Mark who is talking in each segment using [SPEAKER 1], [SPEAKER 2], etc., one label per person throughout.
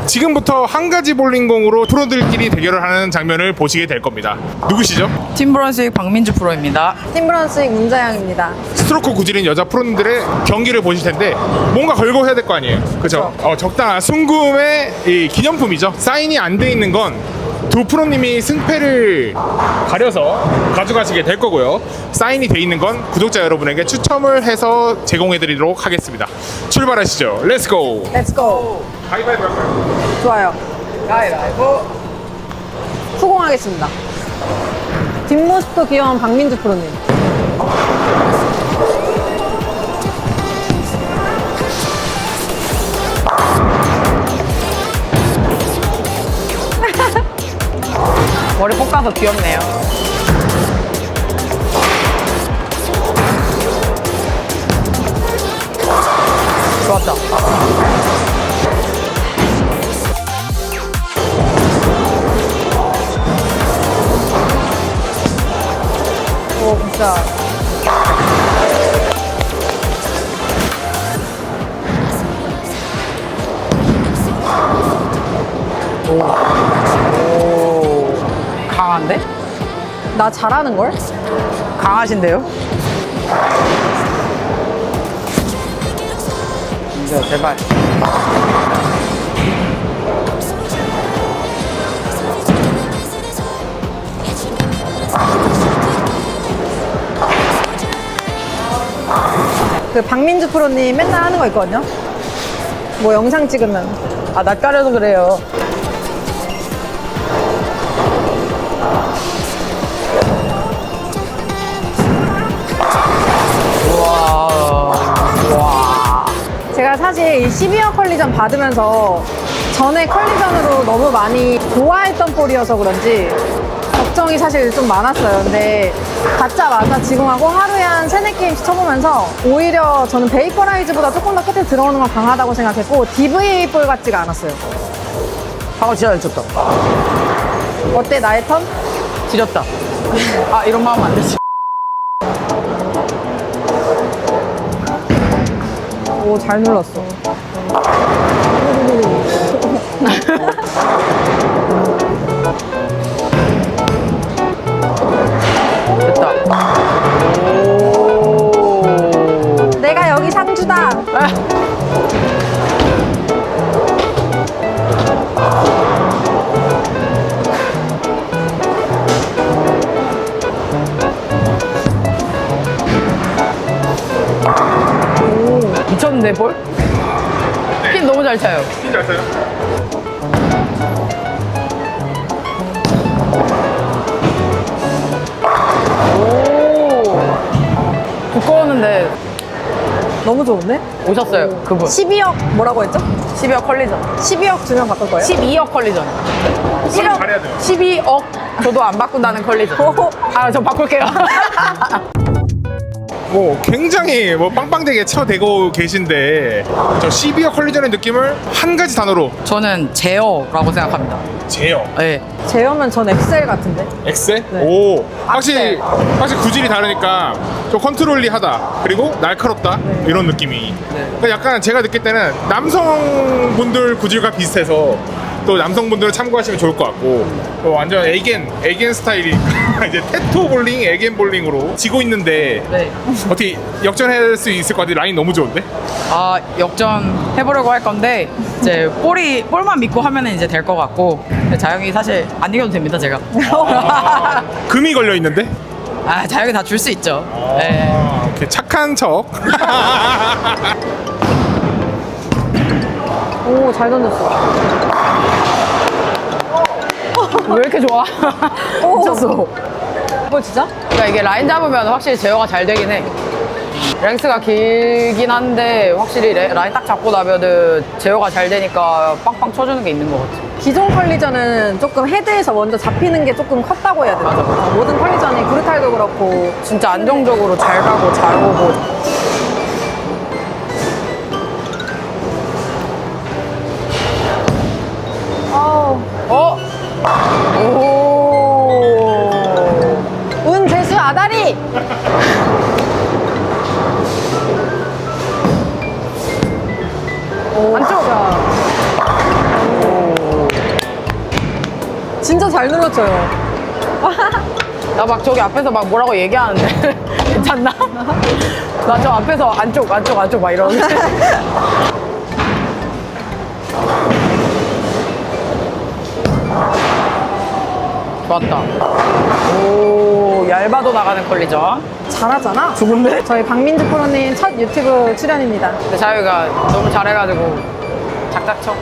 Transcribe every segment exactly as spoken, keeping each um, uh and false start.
[SPEAKER 1] 지금부터 한 가지 볼링공으로 프로들끼리 대결을 하는 장면을 보시게 될 겁니다. 누구시죠?
[SPEAKER 2] 팀브런스윅 박민주 프로입니다.
[SPEAKER 3] 팀브런스윅 문자영입니다.
[SPEAKER 1] 스트로크 구질인 여자 프로님들의 경기를 보실 텐데 뭔가 걸고 해야 될 거 아니에요. 그렇죠? 어, 적당한 순금의 이 기념품이죠. 사인이 안 돼 있는 건 두 프로님이 승패를 가려서 가져가시게 될 거고요. 사인이 돼 있는 건 구독자 여러분에게 추첨을 해서 제공해 드리도록 하겠습니다. 출발하시죠. 렛츠고.
[SPEAKER 3] 렛츠고.
[SPEAKER 1] 가위바위보 할까요?
[SPEAKER 3] 좋아요.
[SPEAKER 2] 가위바위보.
[SPEAKER 3] 후공하겠습니다. 뒷모습도 귀여운 박민주 프로님.
[SPEAKER 2] 머리 볶아서 귀엽네요. 좋았다.
[SPEAKER 3] 오, 진짜.
[SPEAKER 2] 강한데?
[SPEAKER 3] 나 잘하는걸?
[SPEAKER 2] 강하신데요? 진짜 제발.
[SPEAKER 3] 그 박민주 프로님 맨날 하는 거 있거든요? 뭐 영상 찍으면.
[SPEAKER 2] 아, 낯가려서 그래요.
[SPEAKER 3] 제가 사실 이 십이어 컬리전 받으면서 전에 컬리전으로 너무 많이 좋아했던 볼이어서 그런지 걱정이 사실 좀 많았어요. 근데 받자마자 지공하고 하루에 한 세네 게임씩 쳐보면서 오히려 저는 베이퍼라이즈보다 조금 더 끝에 들어오는 건 강하다고 생각했고 디브이에이 볼 같지가 않았어요.
[SPEAKER 2] 방금 진짜 잘 쳤다.
[SPEAKER 3] 어때 나의 턴?
[SPEAKER 2] 지렸다. 아, 이런 마음 안 되지.
[SPEAKER 3] 오, 잘 눌렀어.
[SPEAKER 2] 됐다. 오.
[SPEAKER 3] 내가 여기 상주다.
[SPEAKER 2] 아. 미쳤는데 볼? 핀 너무 잘 차요.
[SPEAKER 1] 핀 잘 써요?
[SPEAKER 2] 오. 두꺼웠는데
[SPEAKER 3] 너무 좋은데?
[SPEAKER 2] 오셨어요, 그분.
[SPEAKER 3] 십이억 뭐라고 했죠?
[SPEAKER 2] 십이억 컬리전.
[SPEAKER 3] 십이억 주면 바꿀 거예요?
[SPEAKER 2] 십이억 컬리전.
[SPEAKER 1] 그럼 잘해야 돼요.
[SPEAKER 2] 십이억 저도 안 바꾼다는 컬리전. 아, 저 바꿀게요.
[SPEAKER 1] 뭐 굉장히 뭐 빵빵되게 쳐대고 계신데 저 십이어 컬리전의 느낌을 한 가지 단어로
[SPEAKER 2] 저는 제어라고 생각합니다.
[SPEAKER 1] 제어.
[SPEAKER 2] 네.
[SPEAKER 3] 제어면 전 엑셀 같은데?
[SPEAKER 1] 엑셀?
[SPEAKER 3] 네.
[SPEAKER 1] 오 확실히 확실히 구질이 다르니까 좀 컨트롤리하다 그리고 날카롭다 이런 느낌이. 그러니까 약간 제가 느낄 때는 남성분들 구질과 비슷해서 또 남성분들은 참고하시면 좋을 것 같고 또 완전 에겐 에겐 스타일이 이제 테토 볼링 에겐 볼링으로 지고 있는데
[SPEAKER 2] 네.
[SPEAKER 1] 어떻게 역전할 수 있을 것 같아. 라인 너무 좋은데?
[SPEAKER 2] 아, 역전 해보려고 할 건데 이제 볼이 볼만 믿고 하면은 이제 될 것 같고 자영이 사실 안 이겨도 됩니다, 제가.
[SPEAKER 1] 금이 걸려 있는데?
[SPEAKER 2] 아, 자영이 다 줄 수 있죠. 네.
[SPEAKER 1] 아, 오케이 착한 척.
[SPEAKER 3] 오, 잘 던졌어.
[SPEAKER 2] 왜 이렇게 좋아?
[SPEAKER 3] 오.
[SPEAKER 2] 미쳤어.
[SPEAKER 3] 뭐 진짜?
[SPEAKER 2] 그러니까 이게 라인 잡으면 확실히 제어가 잘 되긴 해. 랭스가 길긴 한데 확실히 레- 라인 딱 잡고 나면은 제어가 잘 되니까 빵빵 쳐주는 게 있는 것 같아.
[SPEAKER 3] 기존 컬리전은 조금 헤드에서 먼저 잡히는 게 조금 컸다고 해야 되나? 모든 컬리전이 구르탈도 그렇고
[SPEAKER 2] 진짜 안정적으로 잘 가고 잘 오고.
[SPEAKER 3] 아우,
[SPEAKER 2] 어? 오.
[SPEAKER 3] 운 재수 아다리! 오,
[SPEAKER 2] 안쪽.
[SPEAKER 3] 진짜. 진짜 잘 눌러쳐요.
[SPEAKER 2] 나 막 저기 앞에서 막 뭐라고 얘기하는데 괜찮나? 나 저 앞에서 안쪽 안쪽 안쪽 막 이러는데 좋았다. 오 얇아도 나가는 컬리전.
[SPEAKER 3] 잘하잖아.
[SPEAKER 2] 죽은데?
[SPEAKER 3] 저희 박민주 프로님 첫 유튜브 출연입니다.
[SPEAKER 2] 근데 자유가 너무 잘해가지고 작작 쳐.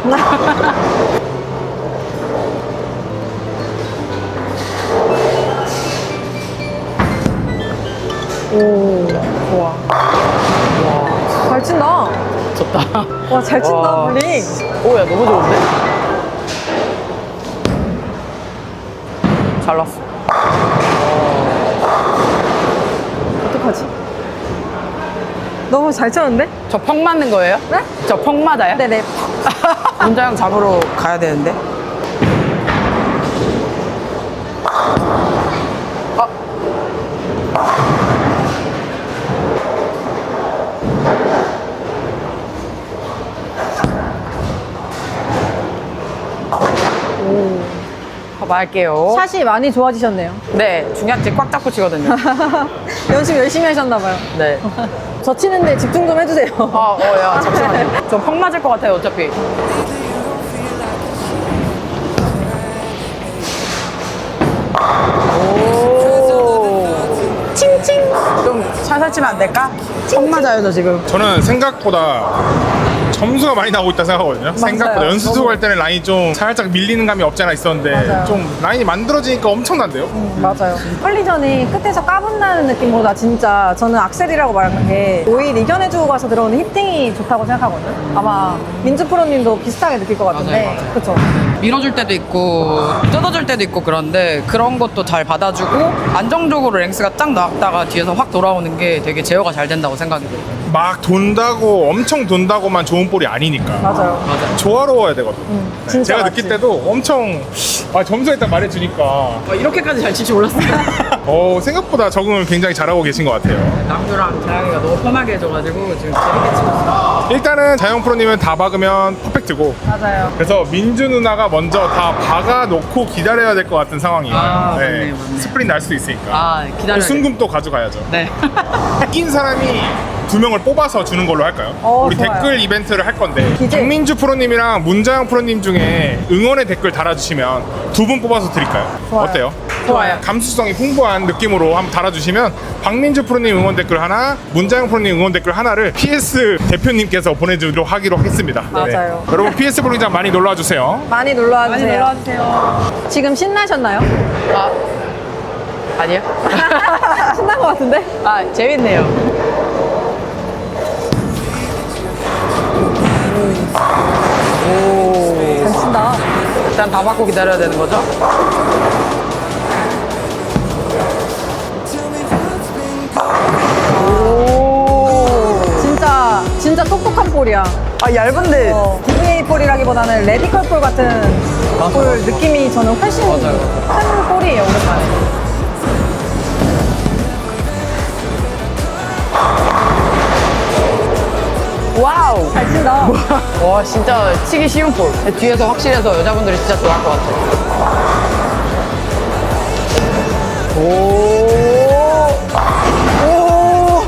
[SPEAKER 3] 오, 좋아. 잘 친다.
[SPEAKER 2] 좋다.
[SPEAKER 3] 와, 잘 친다,
[SPEAKER 2] 와.
[SPEAKER 3] 볼링.
[SPEAKER 2] 오야 너무 좋은데? 잘 났어.
[SPEAKER 3] 어떡하지? 너무 잘 쳤는데?
[SPEAKER 2] 저 펑 맞는 거예요?
[SPEAKER 3] 네?
[SPEAKER 2] 저 펑 맞아요?
[SPEAKER 3] 네네.
[SPEAKER 2] 문장 잡으러 가야 되는데. 아. 가볼게요.
[SPEAKER 3] 샷이 많이 좋아지셨네요.
[SPEAKER 2] 네, 중약지 꽉 잡고 치거든요.
[SPEAKER 3] 연습 열심히 하셨나봐요.
[SPEAKER 2] 네.
[SPEAKER 3] 저 치는데 집중 좀 해주세요.
[SPEAKER 2] 아, 어, 야, 잠시만요. 저 펑 맞을 것 같아요, 어차피. 오. 칭칭. 좀 살살 치면 안 될까? 펑 맞아요, 저 지금.
[SPEAKER 1] 저는 생각보다 점수가 많이 나오고 있다 생각하거든요. 생각보다 연습
[SPEAKER 3] 너무.
[SPEAKER 1] 할 때는 라인이 좀 살짝 밀리는 감이 없지 않아 있었는데
[SPEAKER 3] 맞아요.
[SPEAKER 1] 좀 라인이 만들어지니까 엄청난데요.
[SPEAKER 3] 음, 맞아요. 컬리전이 끝에서 까분다는 느낌보다 진짜 저는 악셀이라고 말하는 게 오히려 이겨내주고 가서 들어오는 히팅이 좋다고 생각하거든요. 아마 민주 프로님도 비슷하게 느낄 것 같은데.
[SPEAKER 2] 맞아요, 맞아요.
[SPEAKER 3] 그쵸?
[SPEAKER 2] 밀어줄 때도 있고 뜯어줄 때도 있고 그런데 그런 것도 잘 받아주고 안정적으로 랭스가 딱 나왔다가 뒤에서 확 돌아오는 게 되게 제어가 잘 된다고 생각이 들어요.
[SPEAKER 1] 막 돈다고 엄청 돈다고만 좋은 볼이 아니니까
[SPEAKER 3] 맞아요.
[SPEAKER 2] 맞아요.
[SPEAKER 1] 조화로워야 되거든요.
[SPEAKER 3] 음,
[SPEAKER 1] 네,
[SPEAKER 3] 진짜
[SPEAKER 1] 제가
[SPEAKER 3] 맞지.
[SPEAKER 1] 느낄 때도 엄청 아, 점수에 딱 말해주니까
[SPEAKER 2] 아, 이렇게까지 잘 칠 줄 몰랐어요.
[SPEAKER 1] 어, 생각보다 적응을 굉장히 잘하고 계신 것 같아요.
[SPEAKER 2] 남주랑 자영이가 너무 편하게 해줘가지고 지금 재밌게 치고 있어요.
[SPEAKER 1] 일단은 자영 프로님은 다 박으면 퍼펙트고
[SPEAKER 3] 맞아요.
[SPEAKER 1] 그래서 민주 누나가 먼저 다 박아놓고 기다려야 될 것 같은 상황이에요.
[SPEAKER 2] 아, 맞네, 맞네.
[SPEAKER 1] 스프린트 날 수도 있으니까.
[SPEAKER 2] 아 기다려.
[SPEAKER 1] 순금도 가져가야죠.
[SPEAKER 2] 네.
[SPEAKER 1] 이긴 사람이 두 명을 뽑아서 주는 걸로 할까요?
[SPEAKER 3] 어,
[SPEAKER 1] 우리
[SPEAKER 3] 좋아요.
[SPEAKER 1] 댓글 이벤트를 할 건데
[SPEAKER 3] 기재.
[SPEAKER 1] 박민주 프로님이랑 문자영 프로님 중에 응원의 댓글 달아주시면 두 분 뽑아서 드릴까요?
[SPEAKER 3] 좋아요.
[SPEAKER 1] 어때요?
[SPEAKER 2] 좋아요.
[SPEAKER 1] 감수성이 풍부한 느낌으로 한번 달아주시면 박민주 프로님 응원 댓글 하나, 문자영 프로님 응원 댓글 하나를 피에스 대표님께서 보내주도록 하기로 했습니다.
[SPEAKER 3] 맞아요.
[SPEAKER 1] 여러분 피에스 볼링장 많이 놀러와 주세요.
[SPEAKER 3] 많이 놀러와
[SPEAKER 2] 많이
[SPEAKER 3] 주세요.
[SPEAKER 2] 놀러 주세요.
[SPEAKER 3] 지금 신나셨나요?
[SPEAKER 2] 아 아니요.
[SPEAKER 3] 신난 것 같은데?
[SPEAKER 2] 아 재밌네요. 오.
[SPEAKER 3] 잘 친다.
[SPEAKER 2] 일단 다 받고 기다려야 되는 거죠? 오.
[SPEAKER 3] 진짜, 진짜 똑똑한 볼이야.
[SPEAKER 2] 아 얇은데.
[SPEAKER 3] 어, 디비에이 볼이라기보다는 레디컬 볼 같은
[SPEAKER 2] 맞아,
[SPEAKER 3] 볼
[SPEAKER 2] 맞아.
[SPEAKER 3] 느낌이 저는 훨씬
[SPEAKER 2] 맞아요.
[SPEAKER 3] 큰 볼이에요, 오랜만에.
[SPEAKER 2] 와우.
[SPEAKER 3] 잘 친다.
[SPEAKER 2] 와 진짜 치기 쉬운 볼. 뒤에서 확실해서 여자분들이 진짜 좋아할 것 같아요. 오. 오.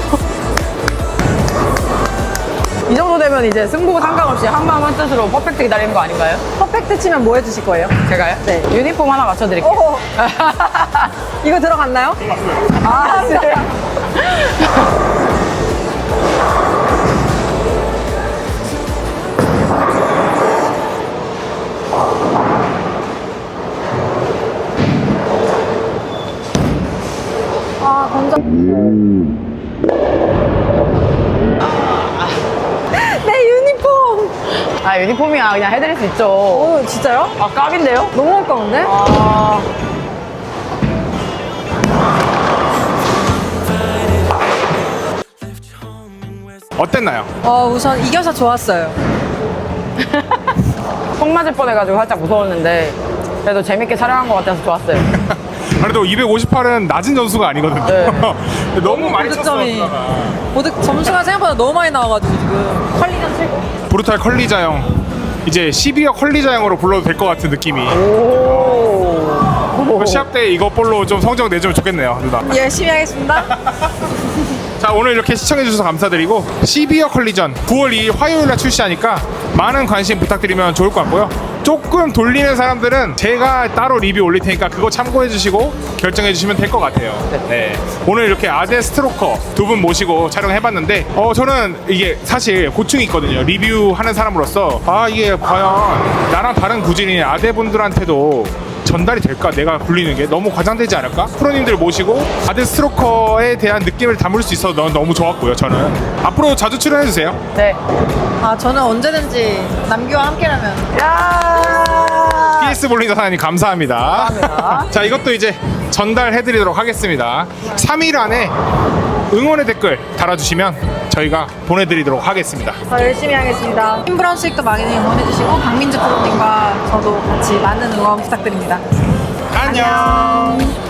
[SPEAKER 2] 이 정도 되면 이제 승부 상관없이 한마음 한뜻으로 퍼펙트 기다리는 거 아닌가요?
[SPEAKER 3] 퍼펙트 치면 뭐 해주실 거예요?
[SPEAKER 2] 제가요?
[SPEAKER 3] 네.
[SPEAKER 2] 유니폼 하나 맞춰드릴게요.
[SPEAKER 3] 오! 이거 들어갔나요? 아, 진짜. 아, 던져. 내 유니폼!
[SPEAKER 2] 아 유니폼이야 그냥 해드릴 수 있죠.
[SPEAKER 3] 오, 진짜요?
[SPEAKER 2] 아 깝인데요?
[SPEAKER 3] 너무 아까운데?
[SPEAKER 2] 아.
[SPEAKER 1] 어땠나요?
[SPEAKER 3] 어, 우선 이겨서 좋았어요.
[SPEAKER 2] phong 맞을 뻔해가지고 살짝 무서웠는데 그래도 재밌게 촬영한 것 같아서 좋았어요.
[SPEAKER 1] 그래도 이백오십팔은 낮은 점수가 아니거든요.
[SPEAKER 2] 네.
[SPEAKER 1] 너무 많이 쳤어.
[SPEAKER 3] 고득점이.
[SPEAKER 1] 누나가.
[SPEAKER 3] 보드 점수가 생각보다 너무 많이 나와가지고 지금 컬리전 최고.
[SPEAKER 1] 브루탈 컬리자형 이제 십이어 컬리자형으로 불러도 될 것 같은 느낌이.
[SPEAKER 2] 오.
[SPEAKER 1] 시합 때 이거 볼로 좀 성적 내주면 좋겠네요, 누나.
[SPEAKER 3] 열심히 하겠습니다.
[SPEAKER 1] 자, 오늘 이렇게 시청해주셔서 감사드리고 십이어 컬리전 구월 이일 화요일날 출시하니까 많은 관심 부탁드리면 좋을 것 같고요. 조금 돌리는 사람들은 제가 따로 리뷰 올릴 테니까 그거 참고해주시고 결정해주시면 될 것 같아요. 네. 오늘 이렇게 아재 스트로커 두 분 모시고 촬영해봤는데 어 저는 이게 사실 고충이 있거든요. 리뷰하는 사람으로서 아 이게 과연 나랑 다른 구질인 아재분들한테도 전달이 될까? 내가 굴리는 게 너무 과장되지 않을까? 프로님들 모시고 아재 스트로커에 대한 느낌을 담을 수 있어서 너- 너무 좋았고요. 저는 앞으로 자주 출연해주세요.
[SPEAKER 2] 네.
[SPEAKER 3] 아, 저는 언제든지 남규와 함께라면.
[SPEAKER 2] 야.
[SPEAKER 1] 피에스 볼링 사장님 감사합니다.
[SPEAKER 2] 감사합니다.
[SPEAKER 1] 자, 이것도 이제 전달해드리도록 하겠습니다. 삼 일 안에 응원의 댓글 달아주시면 저희가 보내드리도록 하겠습니다.
[SPEAKER 3] 더 열심히 하겠습니다. 팀브라운 수익도 많이 응원해주시고 박민주 프로님과 저도 같이 많은 응원 부탁드립니다.
[SPEAKER 1] 안녕.